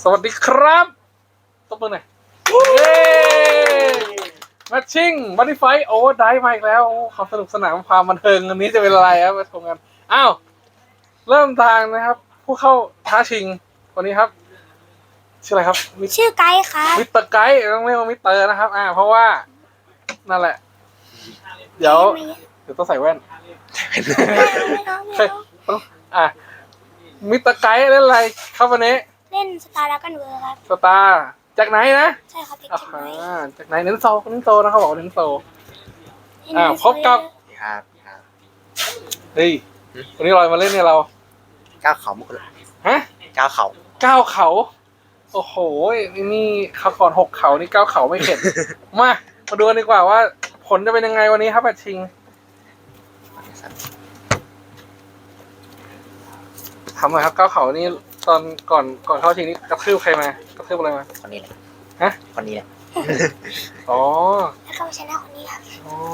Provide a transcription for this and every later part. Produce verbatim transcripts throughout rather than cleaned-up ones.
สวัสดีครับตบมือหน่อยเย้มาชิ่งบัตตี้ไฟโอเวอร์ไดฟ์มาอีกแล้วความสนุกสนานความบันเทิงอันนี้จะเป็นอะไรครับมาชมกันอ้าวเริ่มทางนะครับผู้เข้าท้าชิงวันนี้ครับชื่ออะไรครับชื่อไกด์ครับมิสเตอร์ไกด์ต้องเรียกว่ามิสเตอร์นะครับอ่าเพราะว่านั่นแหละเดี๋ยวเดี๋ยวต้องใส่แว่นต้องอ่ะมิสเตอร์ไกด์เล่นอะไรครับวันนี้เล่นสตาร์ดักกันเวอร์ครับสตาร์จากไหนนะใช่ครับอ่าจากไหนเน้นโซเน้นโซนะเขาบอกเน้นโซอ่าพบกับครับครับเฮ้ยวันนี้ลอยมาเล่นเนี่ยเราก้าวเขามุกฮะก้าวเขาก้าวเขาโอ้โหนี่เขาก่อนหกเขานี่ก้าวเขาไม่เข็ด มามาดูกันดีกว่าว่าผลจะเป็นยังไงวันนี้ครับแมตช์ชิงทำหน่อยครับก้าวเขานี่ตอนก่อนก่อนเข้าชิงนี่กระทืบใครมากระทืบอะไรมาคนนี้แหละฮะคนนี้แหละอ๋อแล้วก็ชนะคนนี้ครับอ๋อ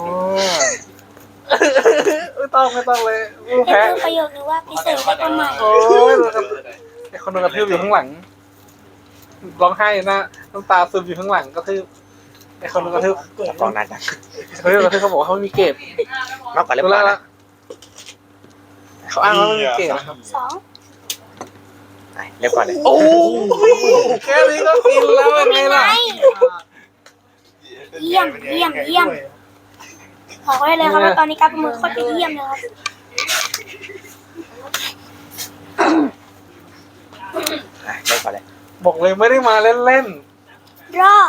ไม่ต้องไม่ต้องเลยผู้เป็นแพ้ประโยคนึงว่าพิเศษได้ประมาณโอ้ยไอคนโดนกระทืบอยู่ข้างหลังร้องไห้นะน้ำตาซึมอยู่ข้างหลังกระทืบไอคนโดนกระทืบกองนั้นนะเขาเรียกกระทืบเขาบอกว่าเขาไม่มีเกรดมากกว่าเล่มละเขาอ้างว่าไม่มีเกรดนะครับสองเรียบร้อยเลยโอ้แค่นี้ก็กินแล้วเป็นไงล่ะเยี่ยมเยี่ยมเยี่ยมบอกไว้เลยครับว่าตอนนี้การประเมินโคตรจะเยี่ยมเลยครับเรียบร้อยเลยบอกเลยไม่ได้มาเล่นๆรอ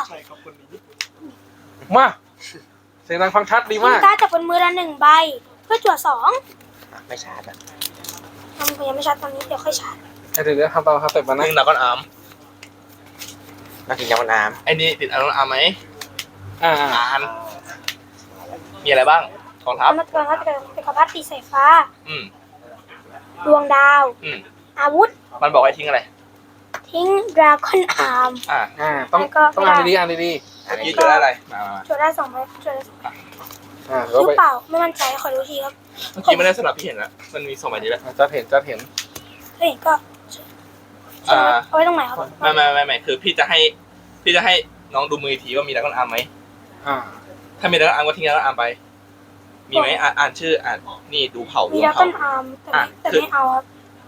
มาเสียงดังฟังชัดดีมากการจับบนมือละหนึ่งใบเพื่อจั่วสองไม่ชาร์จอ่ะทำยังไม่ชาร์จตอนนี้เดี๋ยวค่อยชาร์จเดี๋ยวเดี๋ยวทำตามครับเต็มมานะหนึ่งดาวก้อนอาร์มนักกินยาวันน้ำไอ้นี่ติดอารมณ์อาร์มไหมอ่าอ่านมีอะไรบ้างกองทัพกำลังกำลังเป็นกระพัดตีสายฟ้าอืมดวงดาวอืมอาวุธมันบอกให้ทิ้งอะไรทิ้งดราก้อนอาร์มอ่าอ่าต้องต้องอ่านดีๆอ่านดีๆยี่จุดได้อะไรมาจุดได้สองใบจุดได้สองอ่าหรือเปล่าไม่มั่นใจขอดูทีครับเมื่อกี้ไม่ได้สลับพี่เห็นแล้วมันมีสองใบนี้แหละจะเห็นจะเห็นเฮ้ยก็อ่าเอาไว้ตรงไหนครับไม่ไม่ไม่ไม่คือพี่จะให้พี่จะให้น้องดูมือทีว่ามีดราก้อนอาร์มไหมอ่าถ้ามีดราก้อนอาร์มก็ทิ้งดราก้อนอาร์มไปมีไหมอ่านชื่ออ่านนี่ดูเผ่ามีดราก้อนอาร์มแต่แต่ไม่เอาครับ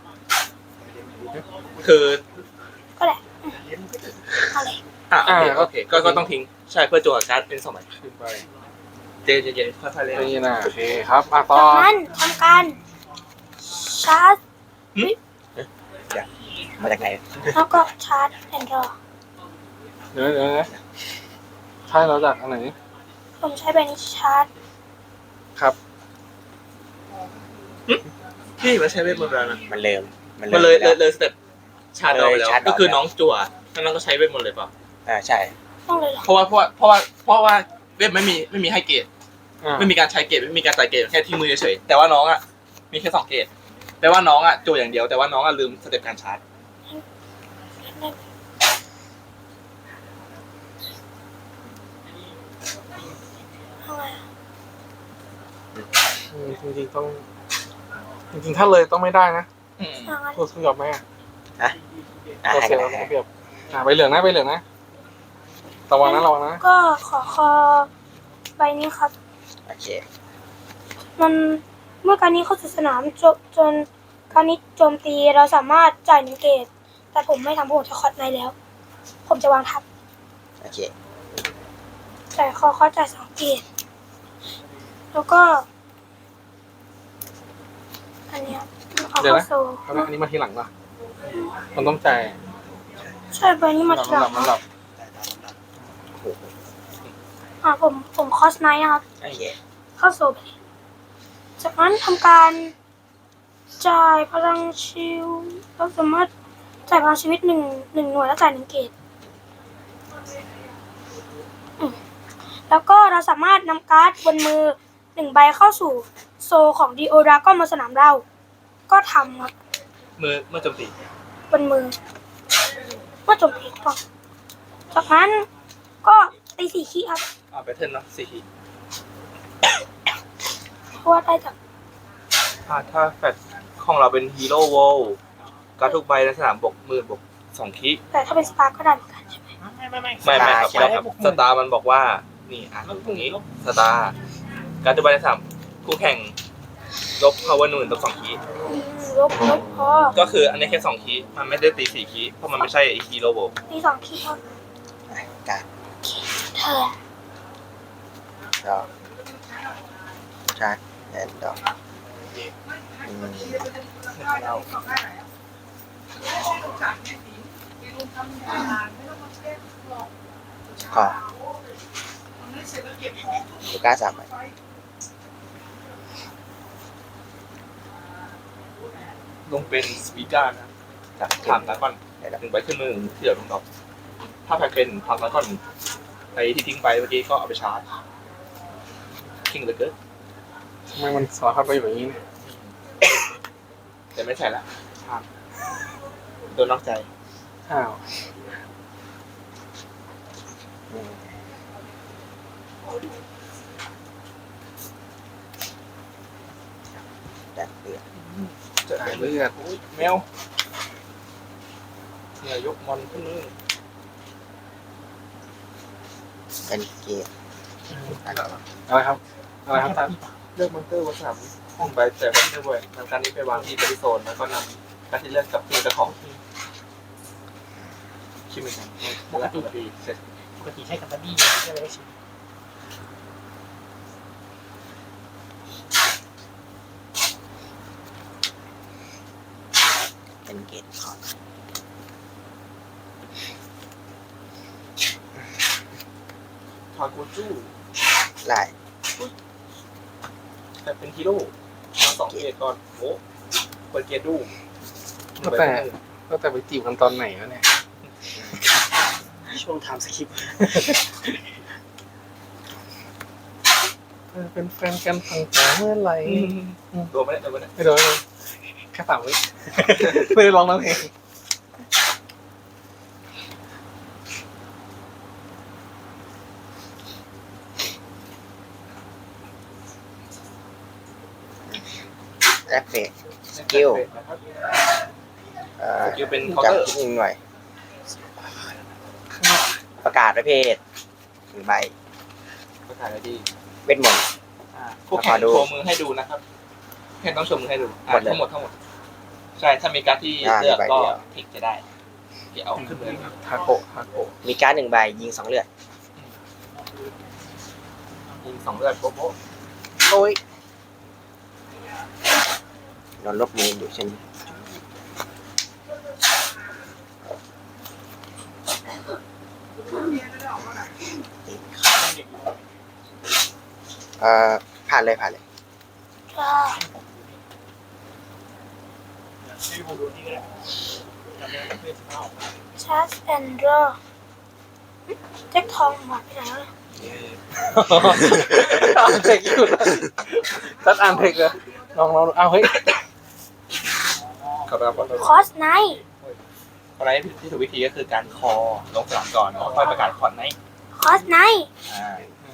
คือก็แหละอะไรอ่าโอเคก็ก็ต้องทิ้งใช่เพื่อจั่วการ์ดเป็นสองใบขึ้นไปเจเจเจค่อยๆเล่นนี่นะโอเคครับมาต่อจากนั้นทำการชาร์จมาจากไหนแล้วก็ชาร์จแอนด์รอเดี๋ยวเดี๋ยวนะใช่เราจากอันไหนผมใช้ใบนี้ชาร์จครับพี่มันใช้เวทมนต์แล้วนะมันเริ่มมันเลยเลยเลยสเต็ปชาร์จเอาไปแล้วก็คือน้องจั่วแล้วน้องก็ใช้เวทมนต์เลยเปล่าอ่าใช่ต้องเลยเหรอเพราะว่าเพราะว่าเพราะว่าเพราะว่าเวทไม่มีไม่มีให้เกรดไม่มีการใช้เกรดไม่มีการจ่ายเกรดแค่ที่มือเฉยแต่ว่าน้องอ่ะมีแค่สองเกรดแปลว่าน้องอ่ะจั่วอย่างเดียวแต่ว่าน้องอ่ะลืมสเต็ปการชาร์จจริงๆต้องจริงๆถ้าเลยต้องไม่ได้นะตัวสุดยอดไหมอ่ะฮะตัวเสียเราเปรียบอ่าใบเหลืองนะใบเหลืองนะระวังนะระวังนะก็ขอคอใบนี้ครับโอเคมันเมื่อการนี้เข้าสู่สนามจบจนการนี้โจมตีเราสามารถจ่ายหนึ่งเกตแต่ผมไม่ทำผมจะคอร์ดในแล้วผมจะวางทับโอเคจ่ายคอคอจ่ายสองเกตแล้วก็อันนี้เอาเข้าโซ่อันนี้มาทีหลังป่ะมันต้องจ่ายใช่ใบนี้มาทีหลังมันหลับอ่าผมผมคอสไนท์นะครับโอเคเข้าโซ่ไปจากนั้นทำการจ่ายพลังชิลเราสามารถจ่ายพลังชีวิตหนึ่งหนึ่งหน่วยแล้วจ่ายหนึ่งเกตแล้วก็เราสามารถนำการ์ดบนมือหนึ่งใบเข้าสู่โซของดีโอดราก้อนบนสนามเราก็ทำครับมือเมื่อโจมตีบนมือเมื่อโจมตีก่อนจากนั้นก็ตีสี่ขีดครับอ่าแพทเทิร์นเนาะสี่ขีดเพราะว่าได้จากอ่าถ้าแฟตของเราเป็นฮีโร่โวลการทุกใบในสนามบกหมื่นบกสองคีแต่ถ้าเป็นสตาร์ก็ได้เหมือนกันใช่ไหมไม่ไม่ไม่ไม่ไม่ครับไม่ครับสตาร์มันบอกว่านี่อ่านตรงนี้สตาร์การดูใบสามคู่แข่งลบ power หนึ่งลบสองคีอืมลบลบพอก็คืออันนี้แค่สองคีมันไม่ได้ตีสี่คีเพราะมันไม่ใช่ไอคีโรโบตีสองคีย์ครับอ่ะการเทิร์นดอกชาร์จแอนด์ดอกอืมขอลูก้าสามใบลงเป็นสปีการนะจากถามแล้วก่อนหนึ่งใบขึ้นมือที่เหลือลงดอกถ้าแพ้เป็นพักแล้วก่อนไอที่ทิ้งไปเมื่อกี้ก็เอาไปชาร์จคิงเลยเกินทำไมมันสอดเข้าไปอยู่อย่างนี้เนี่ยแต่ไม่ใช่ละชาร์จโดนนอกใจอ้าวอืมแดดเดือดจะสายเลือดอุ้ยแมวเนี่ยยกมอนขึ้นมือเป็นเกียร์อะไรครับอะไรครับท่านเลือกมอนเตอร์วัสดุห้องใบแต่ไม่ได้เว้ยนำการนี้ไปวางที่บริโซนแล้วก็นำการที่เลือกกับตัวเจ้าของที่คิดเหมือนกันปกติเสร็จปกติใช้กับบัดดี้ใช่ไหมใช่เป็นเกียร์ขอทาโกจูไล่แต่เป็นฮีโร่มาสองเกตก่อนโอ้เปิดเกตดูก็แต่ก็แต่ไปจีบกันตอนไหนวะเนี่ยช่วงไทม์สคริปต์เออเป็นแฟนกันตั้งแต่เมื่อไหร่ตัวไม่ได้ตัวไม่ได้ไม่โดนเลยแค่สามวิ ไม่ได้ร้องน้ำเพลงแอปเฟกสกิลเอ่อสกิลเป็นเคาน์เตอร์จำนิดหน่อยประกาศประเภทหนึ่งใบประกาศอะไรดีเวทมนต์ผู้แข่งโชว์มือให้ดูนะครับแข่งต้องโชว์มือให้ดูอ่ะหมดเลยทั้งหมดทั้งหมดใช่ถ้ามีการดที่อ่าเลือกมีใบก็เดียวเทคจะได้เดี๋ยวเอาขึ้นเลยทาโกะทาโกะมีการ์ดหนึ่งใบยิงสองเลือดยิงสองเลือดโป๊ะโป๊ะโอ้ยโดนลบมืออยู่เช่นเอ่อผ่านเลยผ่านเลยจ้าให้ผมดูนี่ก็ได้จำได้เพื่อนสิบห้าออกมาชาร์จแอนด์รอแจ็คทองหมดไปไหนแล้วเนี่ยอ่านเทคอยู่นะตัดอ่านเทคเหรอลองลองดูเอาเฮ้ยขอบคุณครับคอสไนท์อะไรที่ถูกวิธีก็คือการคอลงสนามก่อนแล้วค่อยประกาศคอนไหนคอสไนท์อ่า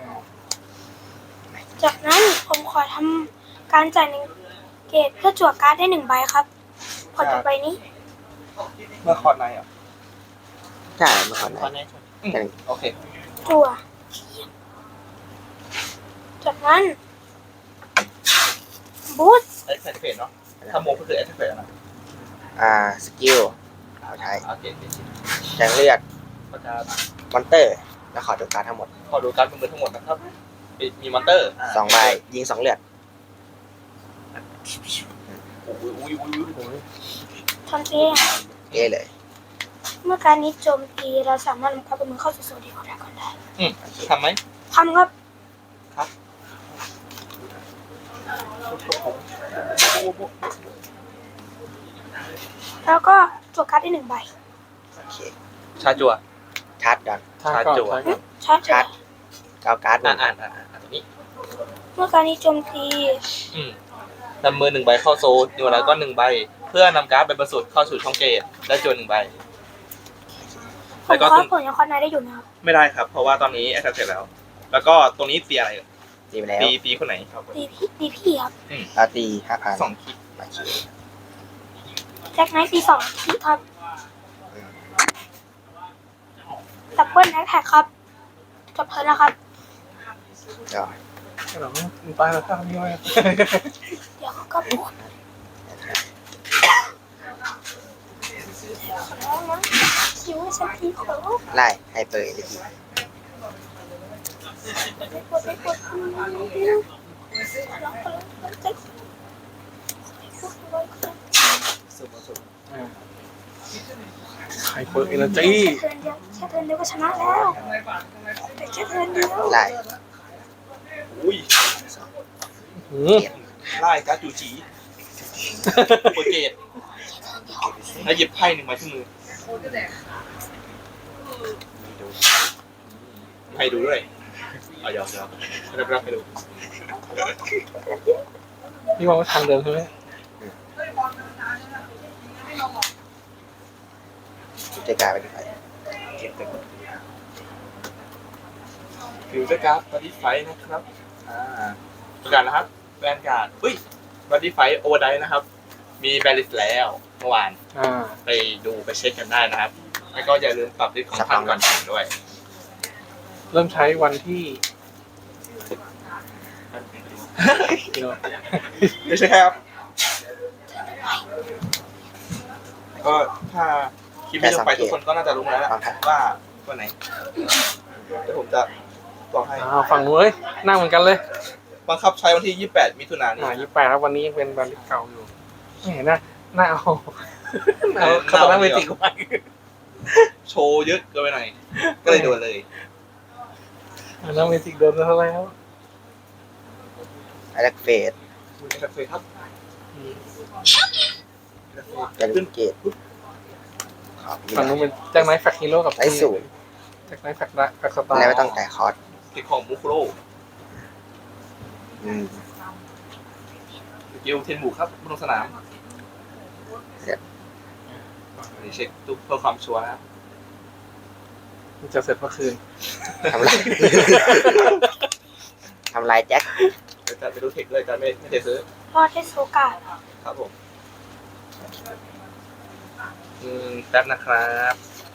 จากนั้นผมขอทำการจ่ายหนึ่งเกตเพื่อจั่วการ์ดได้หนึ่งใบครับผลต่อไปนี้เมื่อคอนไหนอ่ะใช่เมื่อก่อนตอนนะนี้อืมโอเคจั่วจากนั้นบูสต์เอ็กซ์เพจเนาะถ้าโมก็คือเอ็กซ์เพจนะอ่าสกิลเอาใช้โอเคแทงเลือดประกาศมอนเตอร์ แล้วขอดูการ์ดทั้งหมดขอดูการมือทั้งหมดนะครับมีมีมอนเตอร์สองใบยิงสองเลือดอุ้ยอุ้ยอุ้ยอุ้ยทำเองเอ้เลยเมื่อการนี้โจมตีเราสามารถนำการเป็นมือเข้าสู่โซนที่ของดราก้อนได้อืมโอเคทำไหมทำครับครับแล้วก็จั่วการ์ดได้หนึ่งใบโอเคชาจัวชาร์จก่อนทาก่อนชาร์จจั่วทาก่อนชาร์จชาร์จเก้าการ์ดหอ่านึ่งอ่านอ่านอ่านตรงนี้เมื่อการนี้โจมตีอืมนำมือหนึ่งใบเข้าโซนนิวแล้วก็หนึ่งใบ เพื่อนำการ์ดใบบรรสุดเข้าสู่ช่องเกตและจวนหนึ่งใบผแล้มวก็คอคุสณผลยังคอสไนท์ได้อยู่นะครับไม่ได้ครับ เพราะว่าตอนนี้แอคเสร็จแล้ว แล้วก็ตรงนี้ตีอะไรตีไปแล้วตีตีคนไหนครับตีพี่ตีพี่ครับเอาตีห้าพันสองคิดโอเคแจ็คไนท์ตีสองทีครับอปิลแอคแท็กครับจบเทิร์นแล้วครับเดี๋ยวหรอมันตายแล้วครับนี่ไว้เดี๋ยวเขาก็ปวดขอร้องนะคิวให้ฉันทีขอร้องไล่ให้เปิดเลยทีไม่ปวดไม่ปวดขอร้องขอร้องขอร้องใจใครเปิดเอเนอร์จีแค่เทิร์นเดียวแค่เทิร์นเดียวก็ชนะแล้วแต่แค่เทิร์นเดียวไล่อุ้ยหืมไล่การ์ดจูจีโปรเกตแล้วหยิบไพ่หนึ่งมาที่มือให้ดูด้วยเอายอมยอมรับรับให้ดูนี่มองว่าทางเดิมใช่ไหมจะกลายเป็นไฟเก็บไปหมดฟิวเจอร์การ์ดบัดดี้ไฟนะครับอ่าประกาศนะครับแบนการ์ดอุ้ยบัดดี้ไฟโอเวอร์ไดนะครับ มีแบลิสแล้วเมื่อวานอ่าไปดูไปเช็คกันได้นะครับ แล้วก็อย่าลืมปรับลิสต์ของท่านก่อนแข่งด้วยเริ่มใช้วันที่กิโลไม่ใช่ครับ ก็ถ้าคลิปนี้ลงไปทุกคนก็น่าจะรู้แล้วแหละว่าตัวไหนเดี๋ยวผมจะบอกให้อ่าฝั่งนู้นเลยนั่งเหมือนกันเลยบังคับใช้วันที่ยี่สิบแปดมิถุนายนนี้อ่ายี่แปดครับวันนี้ยังเป็นวันที่เก่าอยู่ไม่เห็นนะหน้าเอาเอาคาตานาเมจิกไปโชว์เยอะเกินไปหน่อย ก็เลยโดนเลยคาตานาเมจิกโดนแล้วแล้วไอเล็กเฟสมือแคฟเฟ่ครับเป็นเกตขอบฝั่งนู้นเป็นแจ็คไนท์แฟคฮีโร่กับไอศูนย์แจ็คไนท์แฟคละแฟคสตาร์แล้วไม่ต้องจ่ายคอร์สติดของมุคุโร่อืมสกิลเทนบุกครับบนลงสนามอันนี้เช็คทุกเพื่อความชัวร์นะครับมันจะเสร็จเมื่อคืนทำลาย ทำลายแจ็คเดี๋ยวจะไปดูเทคเลยจะไม่ไม่ได้ซื้อรอดได้โซกาครับผมอืมแป๊บนะครับ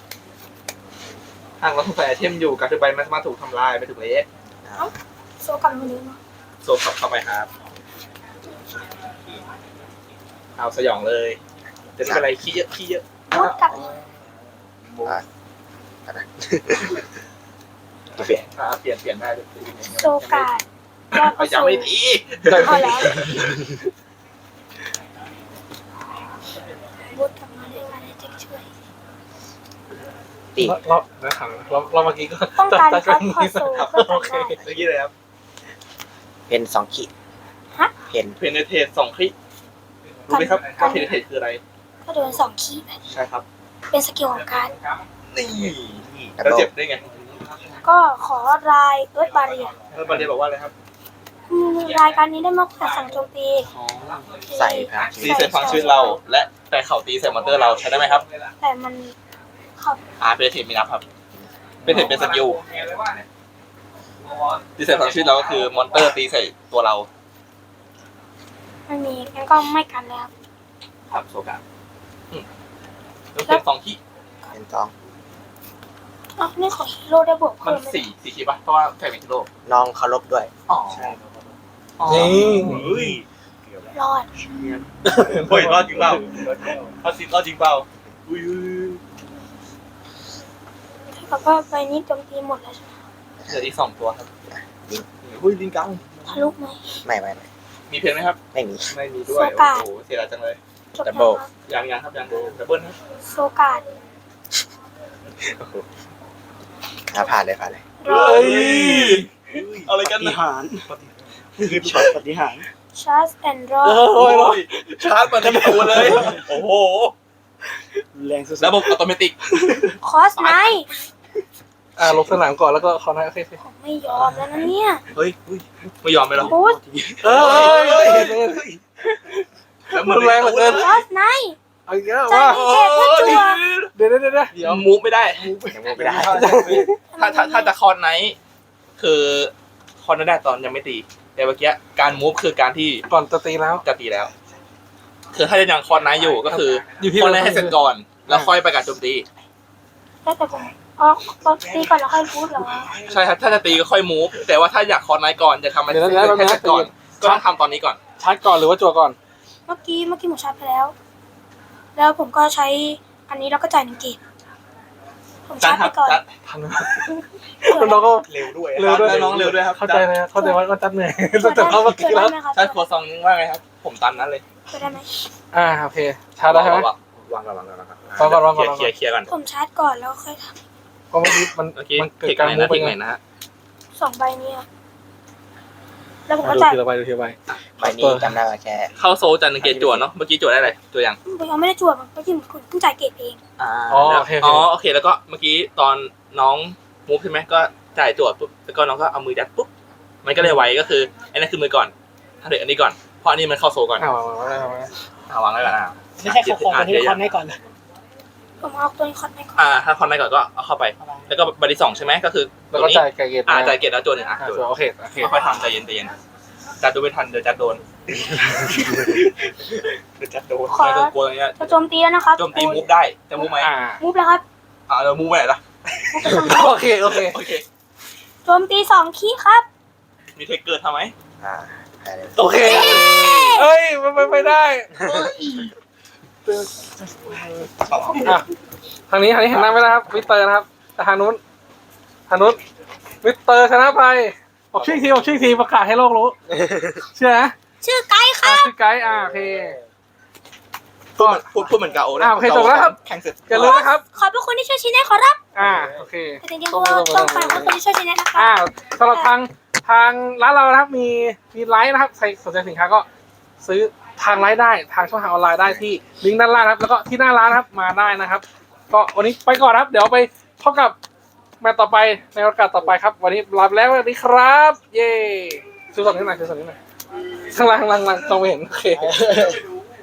หากเราถูกใส่ไอเทมอยู่การถือใบมันสามารถถูกทำลายไปถูกเล็กโซกามันเลยเนาะโซฟเข้าไปครับ เอาสยองเลย จะไม่เป็นไรขี้เยอะขี้เยอะรถกลับอ่ะอะไรเปลี่ยนอ่าเปลี่ยนเปลี่ยนได้เลยโซกาดรอดเอาก็ยังโซไม่ดีพอแล้วรถกลับมาได้มาได้เจ๊ช่วยตีเราเราถามเราเราเมื่อกี้ก็ต้องการจัดครับพอโซครับเพื่อโอทำเคได้เมื่อกี้เลยครับเพนสองขีดฮะเพนเพนเทสสองคลิกรู้ไหมครับว่าเพนเทสคืออะไรก็โดนสองคีย์ใช่ครับเป็นสกิลของการนี่แล้วเจ็บได้ไงก็ขอรายเอิร์ธบาเรียแล้วบันเดบอกว่าอะไรครับรายการนี้ได้มากกว่าสั่งโจมตีใส่พาตีใส่ฟังชีวิตเรา และแต่เข่าตีใส่มอนเตอร์เราใช้ได้ไหมครับแต่มันขับอ่าเพนเทสไม่นับครับเพนเทสเป็นสกิลตีใส่ฟังชีวิตเราก็คือมอนเตอร์ตีใส่ตัวเราไม่มีงั้นก็ไม่กันแล้วครับโซกาอืมแล้วเป็นสองที่เพนสองอ๋อนี่ของฮีโร่ได้บวกมัเพิ่นมไหมสี่สี่คีย์ป่ะเพราะว่าแฟนเป็นฮีโร่น้องเคารพด้วยอ๋อนี่เฮ้ยรอดเฮ้ยรอดจริงเปล่าพอสิรอดจริงเปล่าอุ้ยเท่ากับว่าใบนี้โจมตีหมดแล้วใช่ไหมเหลืออีกสองตัวครับอุ้ยลิงกังทะลุไหมไม่ไม่ไม่มีเพนไหมครับไม่มีไม่มีด้วยโซกาโอ้โหเสียดายจังเลยจบดัแล้บวเบิลครับยังยังครับยังดับเบิลครับโซกาดอ่ะผ่านเลยผ่านเลยรอดเอาอะไรกันนะคือช็อตปฏิหารชาร์จแอนด์รอเอดอโอ้ยโอ้ยชาร์จมาที่ตัวเลย โอ้โหแรงสุดระบบอัตโนมัติคอสไนท์อ่าลงสนามก่อนแล้วก็คอนให้โอเคสิผมไม่ยอมแล้วนะเนี่ยเฮ้ยไม่ยอมไปหรอบูสเอ้ยแล้วมันแรงเหลือเกินคอสไนท์เอาอีกแล้วใจว่ามีเกตเพื่อจัวเดี๋ยวเดี๋ยวเดี๋ยวเดี๋ยวมูฟไม่ได้ยังมูไม่ได้ถ้าถ้าถ้าจะคอนไนท์คือคอนได้ตอนยังไม่ตี แต่เมื่อกี้การมูฟคือการที่ก่อนจะตีแล้วจะตีแล้ว คือถ้ายังคอนไนท์อยู่ก็คืออยู่ที่คอนไนท์ให้เสร็จก่อน แล้วค่อยประกาศโจมตีแล้วแต่ผมอ๋อตอนตีก่อนแล้วค่อยพูดเหรอใช่ครับถ้าจะตีก็ค่อยมูฟแต่ว่าถ้าอยากคอร์ไนท์ก่อนจะทำอะไรเดี๋ยวนะเดี๋ยวนะแค่ก่อนเดี๋ยวนะก็ต้องทำตอนนี้ก่อนชาร์จก่อนหรือว่าจั่วก่อนเมื่อกี้เมื่อกี้ผมชาร์จไปแล้ว แล้วผมก็ใช้อันนี้แล้วก็จ่ายหนึ่งเกตผมชาร์จไปก่อนทันไหมน้องก็เร็วด้วยเร็วด้วยน้องเร็วด้วยครับเข้าใจเลยเข้าใจว่าก็จัดเหนื่อยตั้งแต่เข้าเมื่อกี้แล้วได้ไหมครับใช่ครัวซองนึงว่าไงครับ ผมตันนั้นเลยเปิดได้ไหมอ่าโอเคชาร์จได้ใช่ไหมวางก่อนวางก่อนวางก่อนวางก่อนวางก่อนเคลียร์เคลียร์ก่อนผมชาร์จก่อนแล้วค่อยทก็เมื่อกี้มันเมื่อกี้มันเกิดเทคการไหนมูนะฟไปเทคไหไงนนะฮะำสองใบนี้ครับแล้วผมอ่ะก็ดูจ่ายทีละใบดูทีละใบใบนี้จำได้ว่าแค่เข้าโซลจันทร์เกตจั่วเนาะเมื่อกี้จั่วได้อะไรจั่วยังผมยังไม่ได้จวบเมื่อกี้ผมเพิ่งจ่ายเกตเองอ่าอ๋อแล้วโอเคอ๋โออเคโอเคแล้วก็เมื่อกี้ตอนน้องมูฟใช่ไหมก็จ่ายจั่วปุ๊บแล้วก็น้องก็เอามือยัดปุ๊บมันก็เลยไวก็คืออันนั้นคือมือก่อนถ้าเด็กอันนี้ก่อนเพราะอันนี้มันเข้าโซลก่อนอ่าวางวางวางวางเอาวางไว้ก่อนอ่ะไม่ใช่เขาคอตัวนี้คอนให้ก่อนผมเอาตัวนี้คอร์ดให้ก่อนอ่าถ้าคอนได้ก่อนก็เอาเข้าไป แล้วก็ใบที่สองใช่ไหมก็คือแล้วตัวก็นี้จ่ายไก่เกตอ่าจ่ายเกตแล้วจั่วหนึ่งอ่ะอ่าจั่วจั่วโอเคโอเคค่อยๆทำใจเย็นใจเย็นจัดดูไม่ทันเดี๋ยวจัดโดนเดี๋ยวจะโดนขอไม่ต้องกลัวอะไรเงี้ยจะโจมตีแล้วนะครับโจมตีมูฟได้จะมูฟไหมอ่ามูฟแล้วครับอ่าเรามูฟไปไหนล่ะมูฟไปทางโอเคโอเคโอเคโจมตีสองคีย์ครับมีเทคเกิดทำไหมอ่าได้เลยโอเคเอ้ยมันไปไม่ได้อ่ะทางนี้ทางนี้เห็นหน้าไหมนะครับวิสเตอร์นะครับแต่ทางนู้นทางนู้นวิสเตอร์ชนะไปบอกชื่อทีบอกชื่อทีประกาศให้โลกรู้เชื่อนะชื่อไกด์คอ่ะรับชื่อไกด์อ่าโอเคพูดเหมือนพูดพูดเหมือนกาโอนะอ่าโอเคจบแล้วครับแข่งเสร็จอย่าลืมนะครับขอบพระคุณที่ช่วยชี้แนะขอรับอ่าโอเคแต่จริงๆพวกเราต้องขอบคุณที่ช่วยชี้แนะนะครัอ่าบสำหรับทางทางร้านเรานะครับมีมีไลฟ์นะครับใครสนใจสินค้าก็ซื้อทางไลฟ์ได้ทางช่องทางออนไลน์ได้ที่ลิงก์ด้านล่างนะครับแล้วก็ที่หน้าร้านนะครับมาได้นะครับ ก็วันนี้ไปก่อนนะครับ เดี๋ยวไปพบกับแมตช์ต่อไปในโอกาสต่อไปครับ วันนี้ลาไปแล้วสวัสดีครับ เย้ซื้อสดนิดหน่อยซื้อสดนิดหน่อยข้างล่างข้างล่างข้างล่างต้องไม่เห็นโอเค